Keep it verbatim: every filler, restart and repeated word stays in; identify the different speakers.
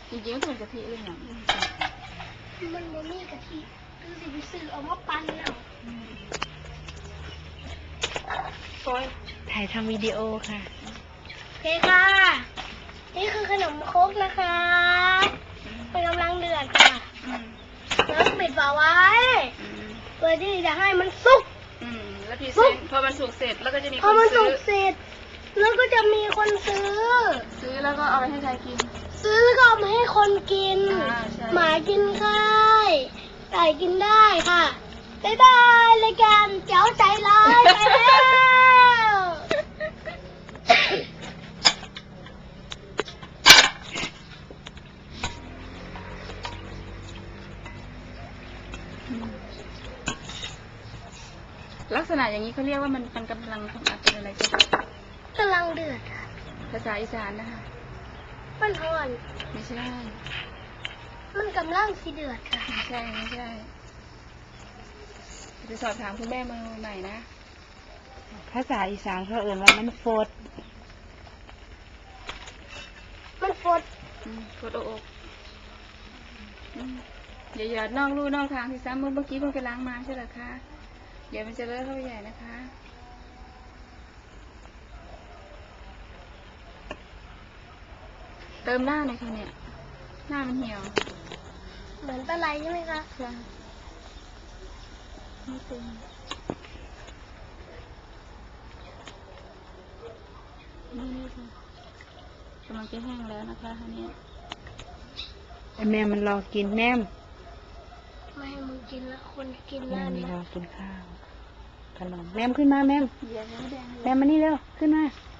Speaker 1: จริงๆก็เป็นกะทิเลยเนี่ย
Speaker 2: มันบ่มีกะทิคือสิไปซื้อเอามาปั่นแล้ว
Speaker 3: ถ่ายทำวิดีโอค่ะ
Speaker 2: โอเคค่ะนี่คือขนมครกนะคะมันกำลังเดือดค่ะแล้วปิดฝาไว้เพื่อที่จะให้มันสุก
Speaker 1: อืมแล้วพี่เซนพอมันสุกเสร็จแล้วก็จะมีค
Speaker 2: พอนมันสุ
Speaker 1: ซื้อก
Speaker 2: เสร็จแล้วก็จะมีคนซื้อ
Speaker 1: ซื้อแล้วก็เอาไปให้ใครกิน
Speaker 2: ซื้อแล้วก็เอามาให้คนกิน หมากินได้ไก่กินได้ค่ะบ๊ายบายรายการเจ้าใจร้ายไปแล้ว
Speaker 1: ลักษณะอย่างนี้เขาเรียกว่ามันมันกำลังทำเป็นอะไรกัน
Speaker 2: กำลังเดือดค่ะ
Speaker 1: ภาษาอีสานนะคะ
Speaker 2: มันห่อน
Speaker 1: ไม่ใช่
Speaker 2: มันกำลังสิเดือดค่ะ
Speaker 1: ไม่ใช่ไม่ใช่จะสอบถามคุณแม่มือใหม่นะ
Speaker 3: ภาษาอีสานเขาเอ่ยว่ามันโฟด
Speaker 2: มันฟด
Speaker 1: ฟดอกอย่าหยอดนอกลู่นอกทางที่ซ้ำเมื่อกี้เพิ่งไปล้างมาใช่หรอคะเดี๋ยวมันจะเลอะเข้าไปใหญ่นะคะเติมหน้าหน่อยค่ะเนี่ยหน้ามันเหี่ยว
Speaker 2: เหมือนปลาไหลใช่ไหมคะ
Speaker 1: ใช่ไม่เต็มนี่นี่ค่ะกำลังจะแห้งแล้วนะคะอันนี้
Speaker 3: แม่มันรอกินแม่
Speaker 2: ไม่ให้มึงกินแล้วคนกิน
Speaker 3: แม่
Speaker 2: แล้ว
Speaker 3: มัน
Speaker 2: เนี่ย
Speaker 3: รอกินข้าวขนมแม่ขึ้นมาแม่แม่มานี่เร็วขึ้นมา